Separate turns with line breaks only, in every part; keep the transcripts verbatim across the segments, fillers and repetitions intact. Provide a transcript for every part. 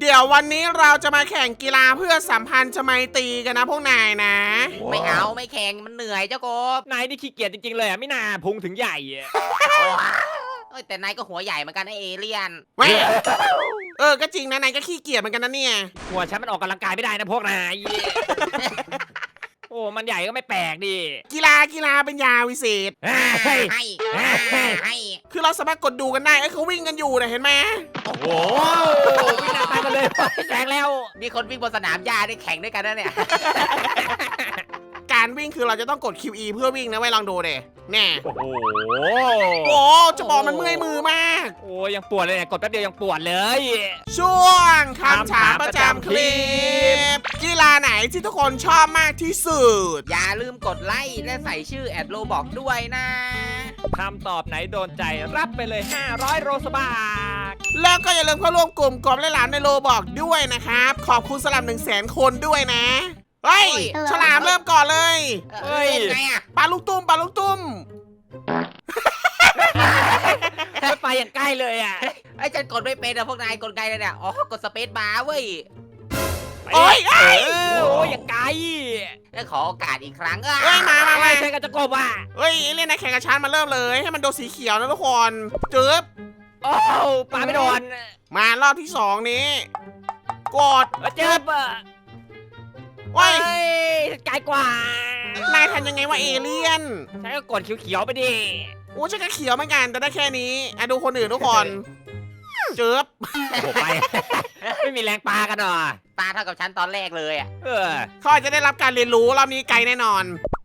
เดี๋ยววันนี้เราจะมาแข่งกีฬาเพื่อสัมพันธ์ไมตรีกันนะพวกนายนะ
ไม่เอาไม่แข่งมันเหนื่อยเจ้ากบ
นายนี่ขี้เกียจจริงๆเลยอ่ะไม่น่าพุงถึงใหญ่อะ
เอ้ยแต่นายก็หัวใหญ่เหมือนกันไอเอเลี่ยน
เว้ยเออก็จริงนะนายก็ขี้เกียจเหมือนกันนะเนี่ย
หัวฉันมันออกกำลังกายไม่ได้นะพวกนายโอ้มันใหญ่ก็ไม่แปลกดิ
กีฬากีฬาเป็นยาวิเศษ
ให้ให้
คือเราสามารถกดดูกันได้ไอ้เขาวิ่งกันอยู่นะเห็นไหม
โอ้โหวิ่งหน้าตายกันเลยแซงแล้ว
มีคนวิ่งบนสนามหญ้าได้แข่งด้วยกันนะเนี่ย
การวิ่งคือเราจะต้องกด คิว อี เพื่อวิ่งนะไว้ลองดูเด้แน่
โอ้โห
โอ้จะบอกมันเมื่อยมือมาก
โอ้ยังปวดเลยเนี่ยกดแป๊บเดียวยังปวดเลย
ช่วงคำถามประจำคลิปกีฬาไหนที่ทุกคนชอบมากที่สุด
อย่าลืมกดไลค์และใส่ชื่อแอดโลบอกด้วยนะ
คำตอบไหนโดนใจรับไปเลยห้าร้อยโรสบาท
แล้วก็อย่าลืมเข้าร่วมกลุ่มกบและหลานในโลบอกด้วยนะครับขอบคุณสำหรับหนึ่งแสนคนด้วยนะเฮ้ยฉลามเริ่มก่อนเลย
เฮ้ยไงอะ
ปลาลูกตุ้มปลาลูกตุ้ม
ไม่ไปอย่างใกล้เลยอ่ะ
ไอ้ฉันกดไม่เป็นนะพวกนายกดไกลเลยเนี่ยอ๋อกดสเปซบาร์เว้ย
โอ้ย
โอ้ยอย่างไกล
แล้วขอโอกาสอีกครั้ง
เฮ้ยมามา
ใช่กันจะกบอ่ะ
เฮ้ยเล่นในแข่งกับฉันมาเริ่มเลยให้มันโดนสีเขียวนะทุกคนจึ๊บ
โอ้ปลาไม่โดน
มารอบที่สองนี้กด
จึ๊บ
ว้าย
ไกลกว่าน
ายทำยังไงวะเอเลี่ยน
ใช้ก็กดเขียวๆไปดิ
โอ้ใช่ก็เขียวเหมือนกันแต่ได้แค่นี้อ่ะดูคนอื่นทุกคนเจ็บ
โอ้ไปไม่มีแรงปลากันหรอ
ปลาเท่ากับฉันตอนแรกเลยอ่ะ
เออ
เขาอาจจะได้รับการเรียนรู้รอบนี้ไกลแน่นอน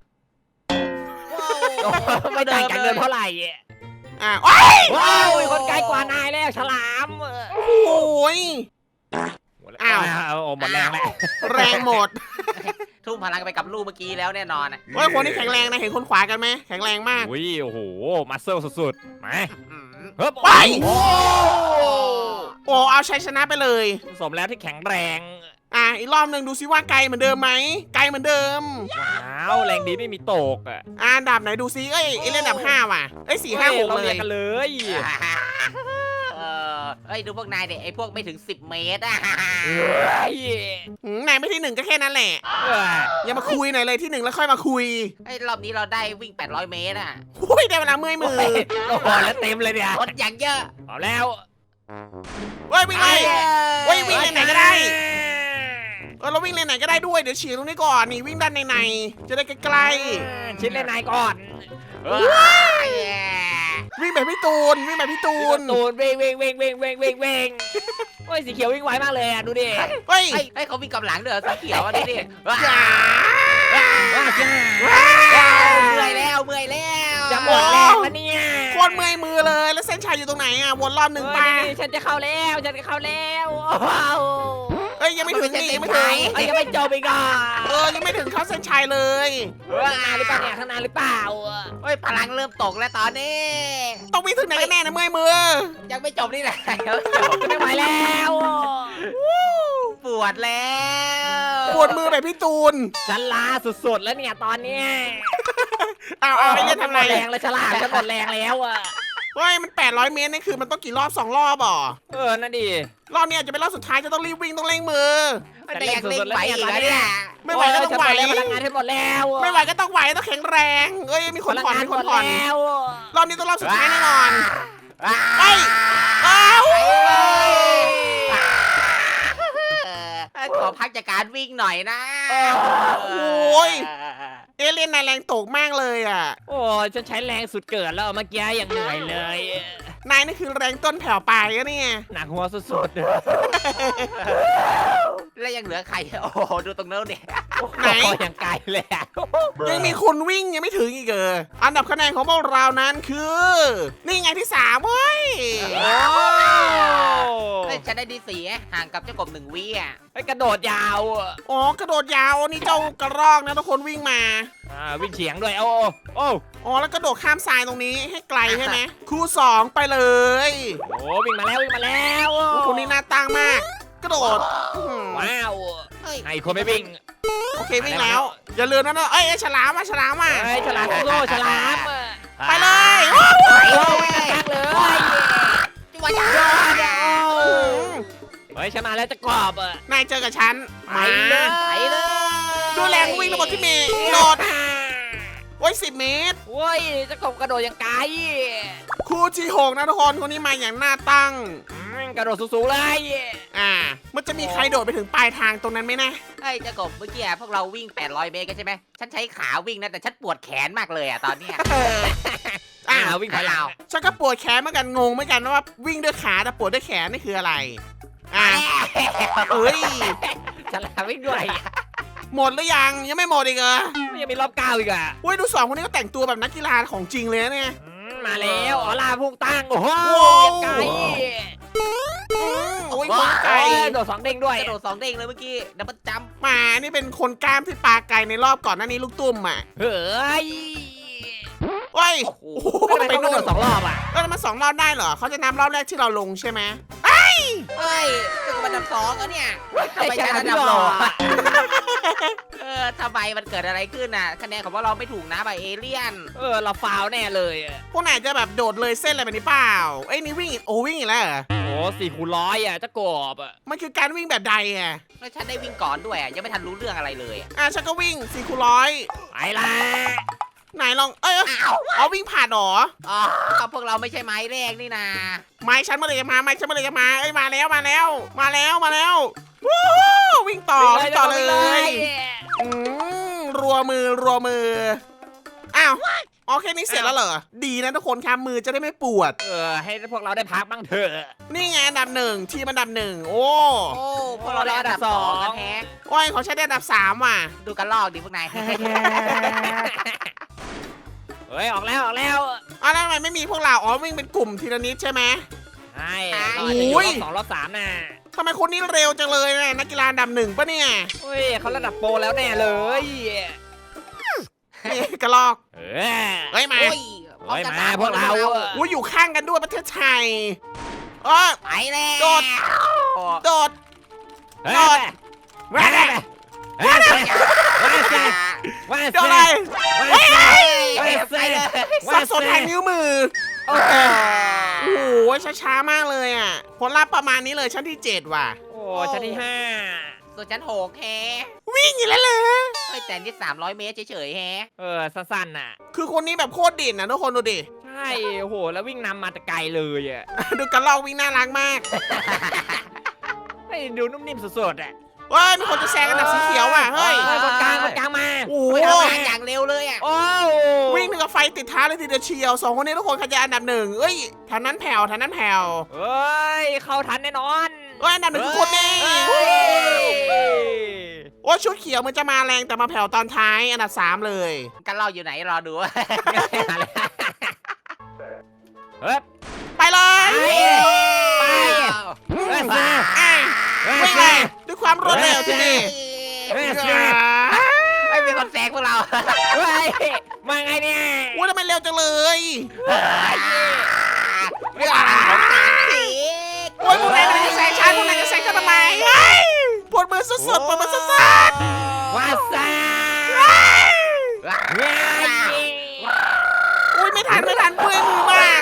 ไม่ต่างกันเดินเท่าไหร่
อ่ะว้าย
ว้าวคนไกลกว่านายแล้วฉลาม
โอ้ยอ้าว
หมดแรงแล้ว
แรงหมด
ทุ่มพลังไปกับลูกเมื่อกี้แล้วแน่นอนอ่ะ
เฮ้ยคนที่แข็งแรงนะเห็นคนขวากันไหมแข็งแรงมาก
อุ้ยโอ้โหมัสเซิลสุดๆมา
เฮ้ยไปโอ้โอ้เอาชัยชนะไปเลย
สมแล้วที่แข็งแรง
อ่ะอีกรอบหนึ่งดูซิว่าไกลเหมือนเดิมไหมไกลเหมือนเดิม
ว้าวแรงดีไม่มีตกอ่ะ
อ่ะดับไหนดูซิเอ้ยเอเล่นดับห้าว่ะเอ้ยสี่ห้าหกเลย
กันเลย
เออเอ้ยดูพวกนายเด็กไอ้พวกไม่ถึงสิบเมตรอ่ะ
นายไม่ที่หนึ่งก็แค่นั้นแหละอย่ามาคุยหน่อยเลยที่หนึ่งแล้วค่อยมาคุย
ไอ้รอบนี้เราได้วิ่งแปดร้อยเมตรอ่ะ
อุ้ยได้เวลาเมื่อยมือ
โอ้โหแล้วเต็มเลยเนี่ย
รถอย่างเยอะ
เอาแล้ว
เฮ้ยวิ่งเลยเฮ้ยวิ่งไหนก็ได้เออเราวิ่งเลนไหนก็ได้ด้วยเดี๋ยวฉีดตรงนี้ก่อนนี่วิ่งด้านในในจะได้ใกล้
ๆชิดเลนไหนก่อน
วิ่งแบบพี่ตูนวิ่งแบบพี่ตูน
ตูนเวงเวงเวงเวงเวงเวงเวงโอ้ยสีเขียววิ่งไวมากเลยอ่ะดูดิ
เฮ้ย
ให้เขาวิ่งกับหลังเด้อสีเขียวอ่ะดูดิเมื่อยแล้วเมื่อยแล้ว
จะหมดแรงแล้วเนี่ย
โคตรเมื่อยมือเลยแล้วเส้นชัยอยู่ตรงไหนอ่ะวนรอบหนึ่งป่ะ
ฉันจะเข้าแล้วฉันจะเข้าแล้ว
เอ้ยยังไม่ถึงนี่ยังไม่ถึง
ยังไม่จบอีกอ่ะ
เออยังไม่ถึงเข้าเส้นชัยเลย
ข้างหน้าหรือเปล่าเนี่ยข้างหน้าหรือเปล่า
เฮ้ยพลังเริ่มตกแล้วตอนนี้
ต้องวิ่งถึงไหนกันแน่นะเมื่อยมือ
ยังไม่จบนี่แหละ
ไม่ไหวแล้ว
ปวดแล้ว
ปวดมือแบบพี่ตูน
ฉันล้าสุดๆแล้วเนี่ยตอนนี้
เอาเอาไอ้เนี่ยทำไร
แรงเลยฉลาดฉันหมดแรงแล้วอ่ะ
เฮ้ยมันแปดร้อยเมตรนี่คือมันต้องกี่รอบสองรอบอ่ะ
เออนั่นดิ
รอบนี้จะเป็นรอบสุดท้ายจะต้องรีบวิ่งต้องเร่งมือ
แต่ยังเร่งไหวอีกเนี่ย
ไม่ไหวก็ต้องไหว
พลังงานให้หมดแล้ว
ไม่ไหวก็ต้องไหวต้องแข็งแรงเอ้ยมีคนผ่อนมีคนผ่อนรอบนี้ต้องรอบสุดท้ายแน่นอนไปอ้าว
ขอพักจากการวิ่งหน่อยนะ
โอ้ยเอเลี่ยนนายแรงตกมากเลยอ่ะ
โอ้ฉันใช้แรงสุดเกิดแล้วเมื่อกี้อย่างเหนื่อยเลย
นายนี่คือแรงต้นแผ่วปลายอะเนี่ย
หนักหัวสุดๆ
แล้วยังเหลือใครโอ้โหดูตรงโน้นเนี่ย
ไหนยังไกลเลย
ยังมีคนวิ่งยังไม่ถึงอีกเอออันดับคะแนนของพวกเรานั้นคือนี่ไงที่สามเว้ย
ฉันได้ดีสี่ห่างกับเจ้ากบหนึ่งวิอ่ะ
ไอ้กระโดดยาว
อ๋อกระโดดยาวนี่เจ้ากระรอกนะทุกคนวิ่งมา
อ่าวิ่งเฉียงด้วยโอ้โอ้
อ๋อแล้วกระโดดข้ามทรายตรงนี้ให้ไกลใช่ไหมคู่สองไปเลย
โอ้วิ่งมาแล้ววิ่งมาแล้ว
คนนี้น่าตั้งมากกระโดด
ว้าวไอ้คนไม่วิ่ง
โอเควิ่งแล้วอย่าลืมนะเนอะเอ้ยฉลามมาฉลามมา
ไอ้ฉลามโซ่ฉลาม
ไปเลย
ไปเลยจังเลยจังหวะยอดเฮ้ยฉันมาแล้วจะกรอบอ่ะ
นายเจอกับฉัน
ไปเลย
ไปเลย
ดูแรงวิ่งระบบที่เมย์โดดโอ้ยสิบเมตร
โอ้ยจะกบกระโดดอย่างไกล
คู่ที่หกนะทุกคนคนนี้มาอย่างหน้าตั้ง
อืมกระโดดสูงๆเลย
อ่า มันจะมีใครโดดไปถึงปลายทางตรงนั้นไหมนะ
ไอ้ยเจ้ากบเมื่อกี้พวกเราวิ่งแปดร้อยเมตรกันใช่ไหมฉันใช้ขาวิ่งนะแต่ฉันปวดแขนมากเลยอ่ะตอนเนี้ย
อ่า
อ่าวิ่งถอยหลัง
ฉันก็ปวดแขนเหมือนกันงงเหมือนกันว่าวิ่งด้วยขาแต่ปวดด้วยแขนนี่คืออะไร อ่าเอ้ย
ฉลามวิ่งด้วย
หมดหรือยังยังไม่หมดอีกเหรอ
ยังมีรอบเก้าอีกอ่ะ
เว้ยดูสองคนนี้ก็แต่งตัวแบบนักกีฬาของจริงเลยนะเนี่ย
อืมมาแล้วออล่าพุ่งตั้งโอ้โห
โอ้
ยังไกล
อืมโอ้ย
ว้า
คนไกล
โอ้ยโดดสองเด้งด้วย
กระโดดสองเด้งเลยเมื่อกี้ดับเบิลจัมป์
หมานี่เป็นคนกล้ามที่ปลาไกลในรอบก่อนหน้านี้ลูกตุ้มอ่ะ
เฮ้ย
โอ้ย
โอ้โห
โอ้โห
ทำไม
ไป
เขากระ
นู่
โด
น
ดสองรอบอ่ะ
เออมันสองรอบได้เหรอเขาจะนับรอบแรกที่เราลงใช่ไหม
เฮ้ยจะมาดับสองแล้วเนี่ยทำไมฉันอันดับโลกอะเออทำไมมันเกิดอะไรขึ้นน่ะคะแนนของพวกเราไม่ถูกนะใบเอเลี่ยน
เออเราฟาวแน่เลยอะ
พวกนายจะแบบโดดเลยเส้นอะไรแบบนี้เปล่าเอ้ยนี่วิ่งอีกโอ้วิ่งอีกแล้วเหรอ
โอ้สี่คูณร้อยอ่ะจะกบอ่ะ
มันคือการวิ่งแบบใดอ่ะ
แล้วฉันได้วิ่งก่อนด้วยอะยังไม่ทันรู้เรื่องอะไรเลยอะ
อ่ะฉันก็วิ่งสี่คูณร้อย
ไปละ
ไหนลองเอ้ยเอาวิ่งผ่านหรอ
อ๋อพวกเราไม่ใช่ไม้แรกนี่นา
ไม้ฉันมาเลยจะมาไม้ฉันมาเลยจะมาเอ้ยมาแล้วมาแล้ว มาแล้วมาแล้ววู้วิ่งต่อวิ่งต่อเลยอืมรัวมือรัวมืออ้าวโอเคนี่เสร็จแล้วเหรอดีนะทุกคนครับมือจะได้ไม่ปวด
เออให้พวกเราได้พักบ้างเถอะ
นี่ไงอันดับหนึ่งทีมอันดับหนึ่งโอ้
โอ้พวกเราได้อันดับสองกันแฮะ
โอ้ยของฉันได้อันดับสามว่ะ
ดูกันลอกดิพวกนาย
เฮ้ยออกแล้วออกแล้ว
อ้าวแล้วทำไมไม่มีพวกเราอ๋อวิ่งเป็นกลุ่มทีละนิดใช่ไหม
ใช่เราอาจจะอยู่รอบสองรอบสามน่ะ
ทำไมคนนี้เร็วจังเลยนะนักกีฬาอันดับหนึ่งปะเนี่ย
เฮ้ยเขาระดับโปรแล้วแน่เลย
นี่กระลอก
เออ
เฮ้ยมา
โอ้ยพร้อ
เฮ้ย
กัน
มา
ส
พวกเรา
คน
อะ
อุ้ยอยู่ข้างกันด้วยประเทศไทยเออ
ไปแล้ว
โดด โดด
เฮ้ยว้าว้าว้าว้า
โดดอะไร
ว้า
ไปเลย
สับสนแทงนิ้วมือ
โอ้โห
โอ้โหช้าๆมากเลยอ่ะผลลัพธ์ประมาณนี้เลยชั้นที่เจ็ดว่ะ
โอ้ชั้นที่ห้า
ส่วนฉันโหกแฮะ
วิ่งอีกแล้วเลย
เฮ้ยแต่นี่สามร้อยเมตรเฉยๆแฮะ
เออสั้นๆน่ะ
คือคนนี้แบบโคตรเด่นนะทุกคนดูดิ
ใช่โอ้โหแล้ววิ่งนำมาแต่ไกลเลยอ่ะ
ดูกระลอกวิ่งน่ารักมาก
ไอ้ดูนุ่มนิ่มสุดๆอ่ะ
เฮ้ยมีคนจะแซงอันดับสีเขียวว่ะเฮ้ย
เฮ้ยคนกลางคนกลางมา
โอ้
โอ้ย
โห
ทำงานอย่างเร็วเลยอ่ะ
โอ้
วิ่งถึงกับไฟติดเท้าเลยทีเดียวเชียวสองคนนี้ทุกคนใครจะอันดับหนึ่งเอ้ยแถวนั้นแผ่วแถวนั้นแผ่ว
เฮ้ยเข้าทันแน่นอน
เอ้ยอันดับหนึ่งคือคนนี้
เฮ้ย
โอ้ยชุดเขียวมันจะมาแรงแต่มาแผ่วตอนท้ายอันดับสามเลย
กันเราอยู่ไหนรอดู
เฮ้ย
ไปเลย
ไป เฮ้ยมา
อ่ะ
เฮ้ย
วิ่งเลยด้วยความรวดเร็วที่นี่
เฮ้ย
ไม่มีคนแซงพวกเรา
เฮ้ยมาไงเนี่ย
ว่าทำไมเร็วจังเลย
เรื่องอะไรของฉันสิ
โอ้ยพวกนายกำลังจะแซงฉันพวกนายจะแซงฉันทำไมเฮ้ยปวดมือสุดๆปวดมือสุด
วาซา
ๆเฮ้ย
เฮ้ย
อุ้ยไม่ทันไม่ทันเมื่อยมือมาก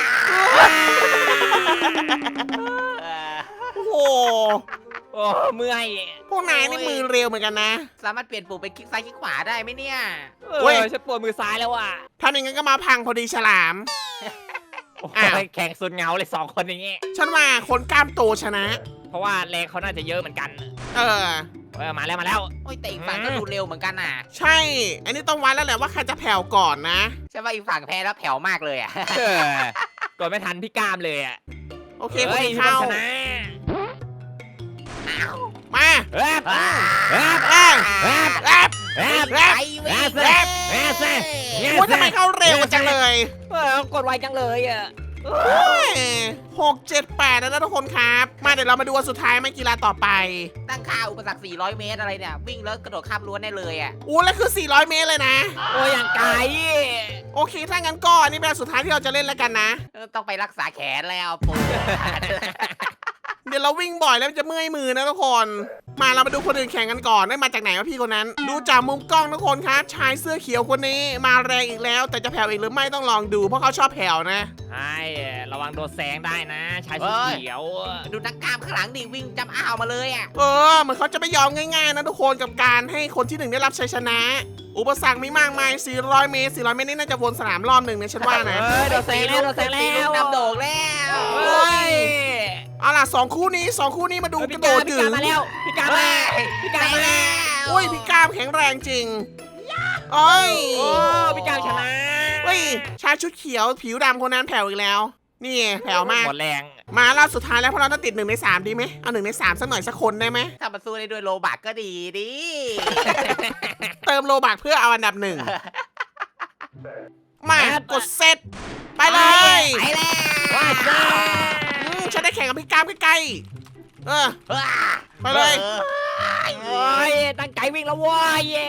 โอ้โห
โอ้เมื่อย
พวกนายนี่มือเร็วเหมือนกันนะ
สามารถเปลี่ยนปุ่มเป็นคลิกซ้ายคลิกขวาได้ไหมเนี่ย
เอ
เว้ย
อฉันปวดมือซ้ายแล้วอ่ะ
ทำอย่างนั้นก็มาพังพอดีฉลาม
โอ้
อ้าว
ยแข่งสุดเหงาเลยสองคนอย่างเงี้ย
ฉันว่าคนกล้ามโตชนะ
เพราะว่าแรงเขาน่าจะเยอะเหมือนกัน
เออ
เออมาแล้วมาแล้ว
โอ้ยแต่อีกฝั่งก็ดูเร็วเหมือนกันน่ะ
ใช่ อันนี้ต้องวัดแล้วแหละว่าใครจะแผ่วก่อนนะ
ใช่ว่าอีกฝั่งแพ้แล้วแผ่วมากเลยอ่ะ
เออกดไม่ทันพี่กามเลยอ่ะ
โอเค
เฮ้
คุ
ย
ณ
พี่
เข้า
บอลชนะ
มา
เฮ้ย
อ่า
เฮ้ย
เอ้ย
เฮ้ย
แอบ
เฮ้ย
ไปวิ่ง
แรปแรปแรป
ว่าทำไมเข้าเร็วจังเลย
เออกดไวจังเลยอ่ะ
หกเจ็ดแปดแล้วนะทุกคนครับ มาเดี๋ยวเรามาดูวันสุดท้ายไม่กีฬาต่อไป
ตั้งค่าอุปสรรคสี่ร้อยเมตรอะไรเนี่ย วิ่งแล้วกระโดดข้ามรั้วได้เลยอ่ะ
อู้แล้วคือสี่ร้อยเมตรเลยนะ
โอ้ยอย่างไกล
โอเค ถ้างั้นก็อันนี่เป็นอันสุดท้ายที่เราจะเล่นแล้วกันนะ
เออต้องไปรักษาแขนแล้วปู
เดี๋ยวเราวิ่งบ่อยแล้วมันจะเมื่อยมือนะทุกคนมาเรามาดูคนอื่นแข่งกันก่อนได้มาจากไหนวะพี่คนนั้น ดูจากมุมกล้องทุกคนครับชายเสื้อเขียวคนนี้มาแรงอีกแล้ว แต่จะแผ่วอีกหรือไม่ต้องลองดูเพราะเขาชอบแผ่วนะ
ใช่ระวังโดนแซงได้นะชายสีเขียว
ดูนักกล้ามข้างหลังดิวิ่งจำอ้าวมาเลยอ่ะ
เออเหมือนเขาจะไม่ยอมง่ายๆนะทุกคนกับการให้คนที่หนึ่งได้รับชัยชนะ อุปสรรคมีมากมายสี่ร้อยเมตรสี่ร้อยเมตรนี่น่าจะวนสนามรอบหนึ่งนะฉันว่านะ
เฮ้ยโดนแซงแล้วโดนแซง
ตี
แล้
ลู
ว
กนำโด่งแล้ว
เฮ้ย
เอาล่ะสองคู่นี้สองคู่นี้มาดูก
พี่
ระโด
กา
ด
พี่
ถึ
กาง มาแล้วพี่กามาพี่กามา
โอ้ยพี่ก้ามแข็งแรงจริงเอ้ย
โอ้พี่กาชนะ
เฮ้ยชายชุดเขียวผิวดำคนนั้นแผ่วอีกแล้ว นี่แผ่วมาก
หมดแรง
มารอบสุดท้ายแล้วพวกเราต้องติดหนึ่งในสามดีไหมเอาหนึ่งในสามสักหน่อยสักคนได้ไหม
ถ้ามาสู้ได้ด้วยโลบักก็ดีดิ
เติมโลบักเพื่อเอาอันดับหนึ่งมากดเซตไปเลย
ไปแล้ว
ว้าจ้า
อืมฉันได้แข่งกับพี่ก้ามใกล้ๆเออ ไปเลย
โอ้ยตั้งใจวิ่งแล้วว้ายเย่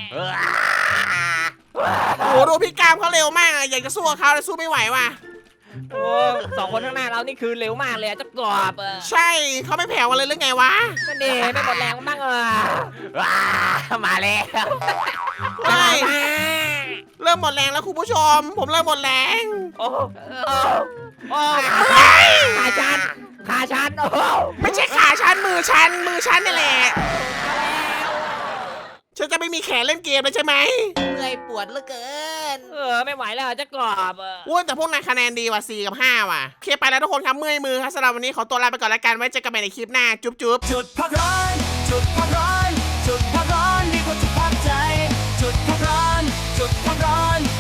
โอ้โหดูพี่ก้ามเขาเร็วมากอะอยากจะสู้กับเขาแต่สู้ไม่ไหวว่ะ
โอ้สองคนข้างหน้าเรานี่คือเร็วมากเลยอะจะกรอบเออ
ใช่เขาไม่แผ่วกันเลยหรือไงวะ
นั่นเองไม่หมดแรงบ้างเออ
ว้ามาแล้ว
เฮ้ย
มา
เริ่มหมดแรงแล้วคุณผู้ชม ผมเริ่มหมดแรง
โอ้โอ้โอ้ขาชันขาชันโอ้
ไม่ใช่ขาฉันมือฉันมือฉันนี่แหละฉันจะไม่มีแขนเล่นเกมเลยใช่ไหม
เมื่อยปวดเหลือเกิน
เออไม่ไหวแล้วจะกรอบเออ
อ้วนแต่พวกนายคะแนนดีว่ะสี่กับห้าว่ะโอเคไปแล้วทุกคนครับเมื่อยมือครับสำหรับวันนี้ขอตัวลาไปก่อนแล้วกันไว้เจอกันใหม่ในคลิปหน้าจุ๊บจุ๊บ
จุดพักร้อนจุดพักร้อนจุดพักร้อนดีกว่าจุดพักใจ จุดพักร้อนจุดพักร้อน